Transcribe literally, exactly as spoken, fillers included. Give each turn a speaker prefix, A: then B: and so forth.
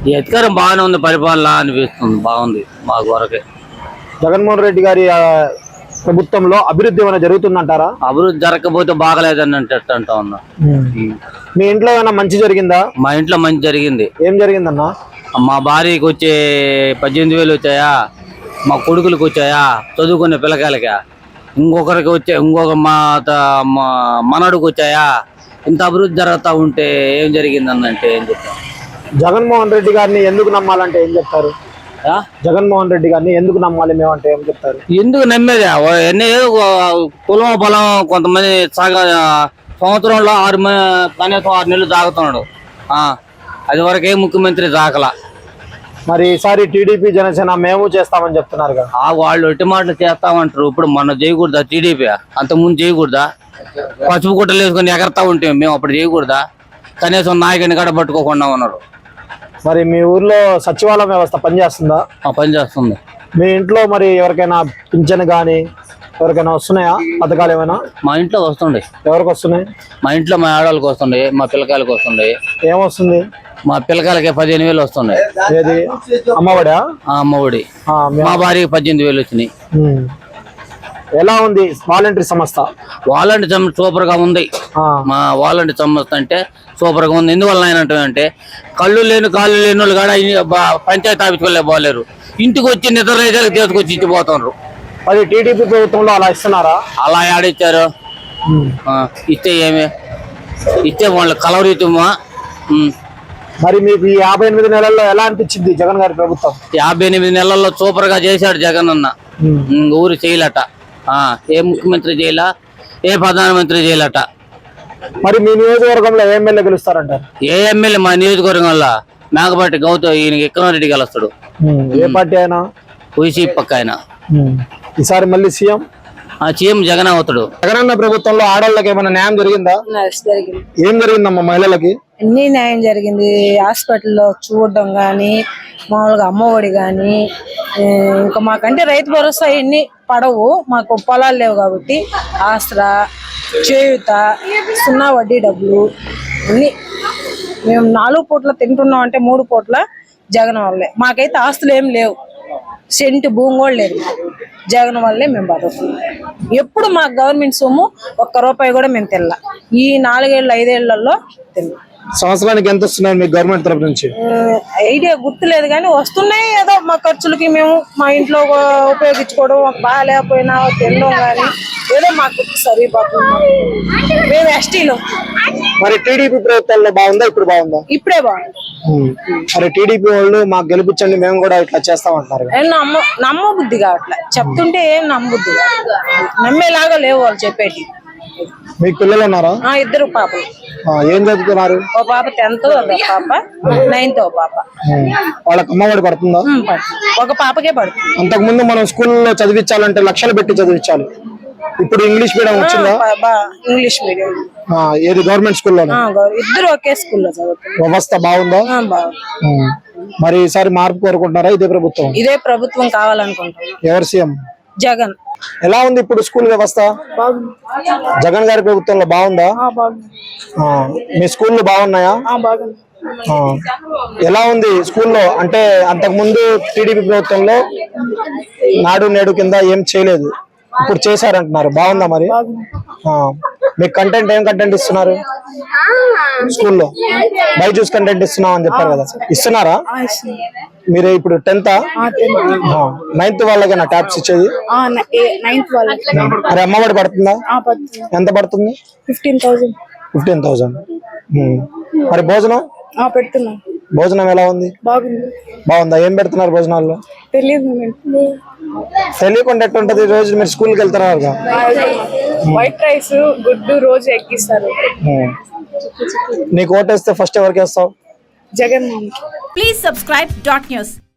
A: ఈ అధికారం బాగానే ఉంది, పరిపాలన అనిపిస్తుంది, బాగుంది మాకు వరకే.
B: జగన్మోహన్ రెడ్డి గారి ఆ, ప్రభుత్వంలో అభివృద్ధి ఏమైనా జరుగుతుందంటారా?
A: అభివృద్ధి జరగకపోతే బాగలేదని అంటే అంటా ఉన్నా.
B: మీ ఇంట్లో ఏమైనా మంచి జరిగిందా?
A: మా ఇంట్లో మంచి జరిగింది.
B: ఏం జరిగిందన్నా?
A: మా భార్యకి వచ్చే పద్దెనిమిది వేలు వచ్చాయా, మా కొడుకులకు వచ్చాయా, చదువుకునే పిల్లకాయలకా, ఇంకొకరికి వచ్చే ఇంకొక మా మనడుకు వచ్చాయా. ఇంత అభివృద్ధి జరుగుతూ ఉంటే ఏం జరిగిందన్నంటే ఏం చెప్తాం?
B: జగన్మోహన్ రెడ్డి గారిని ఎందుకు నమ్మాలంటే ఏం చెప్తారు? జగన్మోహన్ రెడ్డి గారిని ఎందుకు నమ్మాలి మేమంటే ఏం చెప్తారు?
A: ఎందుకు నమ్మేది? ఎన్ని కులం పొలం కొంతమంది సాగ సంవత్సరంలో ఆరు కనీసం ఆరు నెలలు తాగుతున్నాడు, అది వరకే ముఖ్యమంత్రి దాకలా.
B: మరి ఈసారి టీడీపీ జనసేన మేము చేస్తామని చెప్తున్నారు కదా.
A: ఆ వాళ్ళు ఒట్టి మాటలు చేస్తామంటారు. ఇప్పుడు మనం చేయకూడదా? టీడీపీ అంతకుముందు చేయకూడదా? పసుపు గుట్టలు వేసుకొని ఎగరతా ఉంటే మేము అప్పుడు చేయకూడదా? కనీసం నాయకుని గడ పట్టుకోకుండా ఉన్నారు.
B: మరి మీ ఊర్లో సచివాలయం వ్యవస్థ పనిచేస్తుందా?
A: పనిచేస్తుంది.
B: మీ ఇంట్లో మరి ఎవరికైనా పింఛన్ కానీ ఎవరికైనా వస్తున్నాయా పథకాలు ఏమైనా?
A: మా ఇంట్లో వస్తుండే.
B: ఎవరికి వస్తున్నాయి?
A: మా ఇంట్లో మా ఆడవాళ్ళకి వస్తుండే, మా పిల్లకాయలకు వస్తుండే.
B: ఏమొస్తుంది?
A: మా పిల్లకాయలకి పదిహేను వేలు వస్తున్నాయి.
B: ఏది అమ్మఒడా?
A: అమ్మఒడి. మా భార్యకి పద్దెనిమిది వేలు వచ్చినాయి.
B: ఎలా ఉంది వాలంటీర్ సంస్థ?
A: వాలంటీర్ సంస్థ సూపర్ గా ఉంది. మా వాలంటీర్ సంస్థ అంటే సూపర్ గా ఉంది. ఎందువల్ల అంటే కళ్ళు లేని కాళ్ళు లేని వాళ్ళు కూడా పంచాయతీ ఆఫీస్కి వెళ్ళే పోలేరు, ఇంటికి వచ్చి నిద్ర రేజాలకు తీసుకొచ్చి ఇచ్చిపోతున్నారు.
B: అది టీడీపీ ప్రభుత్వంలో అలా ఇస్తున్నారా?
A: అలా ఆడిచ్చారు. ఇస్తే ఏమి ఇస్తే వాళ్ళు కలవరీతమా.
B: మరి మీకు ఈ యాభై ఎనిమిది నెలల్లో ఎలా అనిపించింది జగన్ గారి ప్రభుత్వం?
A: యాభై ఎనిమిది నెలల్లో సూపర్ గా చేశాడు జగన్ అన్న. ఊరు చేయలట, ఏ ముఖ్యమంత్రి చేయలా, ఏ ప్రధానమంత్రి చేయలట.
B: మరి మీ నియోజకవర్గంలో ఏ ఎమ్మెల్యే గెలుస్తారంటారు?
A: ఏ ఎమ్మెల్యే మా నియోజకవర్గంలో మేకపాటి గౌతమ్ ఈయన ఎక్కనారెడ్డి గెలుస్తాడు.
B: ఏ పార్టీ అయినా?
A: వైసీపీ పక్క ఆయన.
B: ఈసారి మళ్ళీ సీఎం
A: సీఎం జగన్ అవుతాడు.
B: జగనన్న ప్రభుత్వంలో ఆడవాళ్ళకి ఏమైనా న్యాయం జరిగిందా? ఏం జరిగిందమ్మా మహిళలకి?
C: అన్ని న్యాయం జరిగింది. హాస్పిటల్లో చూడడం గాని, మామూలుగా అమ్మఒడి గాని, ఇంకా మాకంటే రైతు భరోసా ఎన్ని పడవు, మాకు పొలాలు లేవు కాబట్టి ఆసరా, చేయుత, సున్నా వడ్డీ డబ్బులు అన్ని మేము నాలుగు పూట్ల తింటున్నాం. అంటే మూడు పూట్ల జగన్ వల్లే. మాకైతే ఆస్తులు ఏం లేవు, సెంటు భూమి కూడా లేదు. జగన్ వల్లే మేము బతుకుతున్నాం. ఎప్పుడు మాకు గవర్నమెంట్ సొమ్ము ఒక్క రూపాయి కూడా మేము తినలా. ఈ నాలుగేళ్ళు ఐదేళ్లలో తిన్నాం.
B: సంవత్సరానికి ఎంత వస్తున్నాయి మీకు గవర్నమెంట్ తరఫు నుంచి?
C: ఐడియా గుర్తులేదు కానీ వస్తున్నాయి. ఏదో మా ఖర్చులకి మేము మా ఇంట్లో ఉపయోగించుకోవడం, బాగా లేకపోయినా తినడం కానీ ఏదో మాకు సరిపోతుంది. మేము ఎస్టీలో.
B: మరి టీడీపీ ప్రభుత్వాల్లో బాగుందా ఇప్పుడు బాగుందా?
C: ఇప్పుడే బాగుంది.
B: మరి టీడీపీ వాళ్ళు మాకు గెలిపించండి మేము కూడా ఇట్లా చేస్తామంటారు.
C: నమ్మ నమ్మ బుద్ధి కావట్లే, చెప్తుంటే ఏం నమ్మబుద్ధి నమ్మేలాగా లేవు వాళ్ళు చెప్పేటి.
B: మీకు పిల్లలు ఉన్నారా?
C: ఇద్దరు పాపలు.
B: ఏం చదువుతున్నారు?
C: ఓ పాప టెన్త్, ఒక పాప నైన్త్. ఓ పాప.
B: వాళ్ళకి అమ్మఒడి పడుతుందా?
C: ఒక పాపకే పడుతుంది.
B: అంతకు ముందు మనం స్కూల్లో చదివించాలంటే లక్షలు పెట్టి చదివించాలి. ఇప్పుడు ఇంగ్లీష్ మీడియం వచ్చిందా?
C: English medium.
B: ఏది గవర్నమెంట్ స్కూల్లో?
C: ఇద్దరు ఒకే స్కూల్లో చదువుతారు.
B: వ్యవస్థ బాగుందా? మరి ఈసారి మార్పు కోరుకుంటున్నారా? ఇదే ప్రభుత్వం
C: ఇదే ప్రభుత్వం కావాలనుకుంటున్నాం.
B: ఎవరు సీఎం?
C: జగన్.
B: ఎలా ఉంది ఇప్పుడు స్కూల్ వ్యవస్థ? జగన్ గారి ప్రభుత్వంలో బాగుందా? మీ స్కూళ్ళు బాగున్నాయా? ఎలా ఉంది స్కూల్లో? అంటే అంతకు ముందు టీడీపీ ప్రభుత్వంలో నాడు నేడు కింద ఏం చేయలేదు, ఇప్పుడు చేశారంటున్నారు. బాగుందా మరి? మీకు కంటెంట్ ఏం కంటెంట్ ఇస్తున్నారు స్కూల్లో? బైజూస్ కంటెంట్ ఇస్తున్నాం అని చెప్పారు కదా, ఇస్తున్నారా? మీరు ఇప్పుడు టెన్త్ నైన్త్ వాళ్ళకేనా ట్యాబ్స్ ఇచ్చేది? మరి అమ్మఒడి పడుతుందా? ఎంత పడుతుంది?
C: Fifteen thousand.
B: Fifteen thousand. మరి భోజనం
C: పెడుతున్నాం.
B: భోజనం ఎలా ఉంది? బాగుందా? ఏం పెడుతున్నారు భోజనాల్లో? తెలియకుండా ఎట్టుంటది? రోజు మీరు స్కూల్కి వెళ్తున్నారు కదా.
C: వైట్ రైస్, గుడ్డు రోజు ఎక్కిస్తారు.
B: నీకు ఓటేస్తే ఫస్ట్ ఎవరికి వేస్తావు?
C: Jagan.
D: Please subscribe dot news.